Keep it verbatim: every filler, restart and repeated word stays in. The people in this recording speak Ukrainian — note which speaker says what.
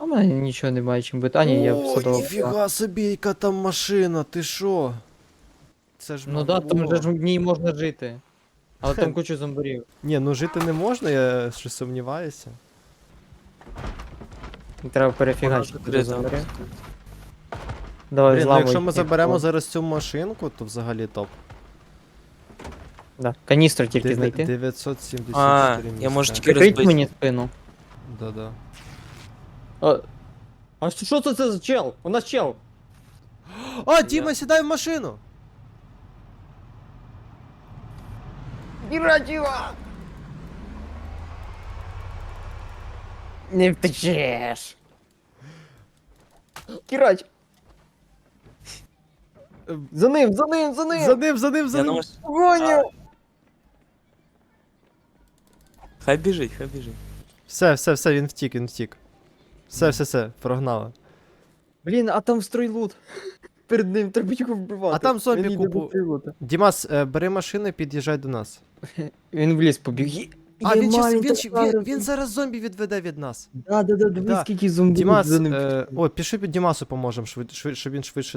Speaker 1: А в мене нічого немає чим бити. А, ні, я
Speaker 2: О,
Speaker 1: садова.
Speaker 2: ніфіга собі, яка там машина, ти що? Це ж
Speaker 1: Ну да, там
Speaker 2: Мавло.
Speaker 1: же ж в ній можна жити. Але там куча зомбарів.
Speaker 2: Ні, ну жити не можна, я щось сумніваюся.
Speaker 1: Треба перефігачити
Speaker 3: Вона
Speaker 1: до
Speaker 3: закрита.
Speaker 1: зомбарів. Давай,
Speaker 2: Блін, ну
Speaker 1: зламуй.
Speaker 2: якщо ми
Speaker 1: їх.
Speaker 2: заберемо зараз цю машинку, то взагалі топ.
Speaker 1: Да. Каністру тільки
Speaker 2: Дев'я-
Speaker 1: знайти.
Speaker 2: дев'ятсот сімдесят
Speaker 3: А,
Speaker 2: чотири
Speaker 3: я можу
Speaker 2: місця.
Speaker 3: тільки
Speaker 1: Прикрить
Speaker 3: розбити.
Speaker 1: мені спину.
Speaker 2: Да-да.
Speaker 1: А, а що це, це за чел? У нас чел.
Speaker 2: А, Діма, сідай в машину!
Speaker 1: Не втечеш. Кірач. За ним, за ним, за ним.
Speaker 2: За ним, за ним, за
Speaker 3: Я
Speaker 2: ним!
Speaker 3: на маш-
Speaker 1: Гоню.
Speaker 3: Хай біжить, хай біжить.
Speaker 2: Все, все, все, він втік, він втік. Все, все, все, прогнали.
Speaker 1: Блін, а там стройлут. Перед ним треба його вбивати.
Speaker 2: А там зомбі
Speaker 1: Він йде
Speaker 2: купу-
Speaker 1: до стройлута.
Speaker 2: Дімас, е, бери машину і під'їжджай до нас.
Speaker 1: Він в ліс побіг. Є-
Speaker 2: А,
Speaker 1: є
Speaker 2: він, щас,
Speaker 1: маленька
Speaker 2: він, щ- він,
Speaker 1: зараз.
Speaker 2: він зараз зомбі відведе від нас.
Speaker 1: Да, да, да, дивись,
Speaker 2: Да.
Speaker 1: скільки зомбі
Speaker 2: Дімас,
Speaker 1: за ним.
Speaker 2: е, о, пішли під Дімасу поможемо, швид, швид, щоб він швидше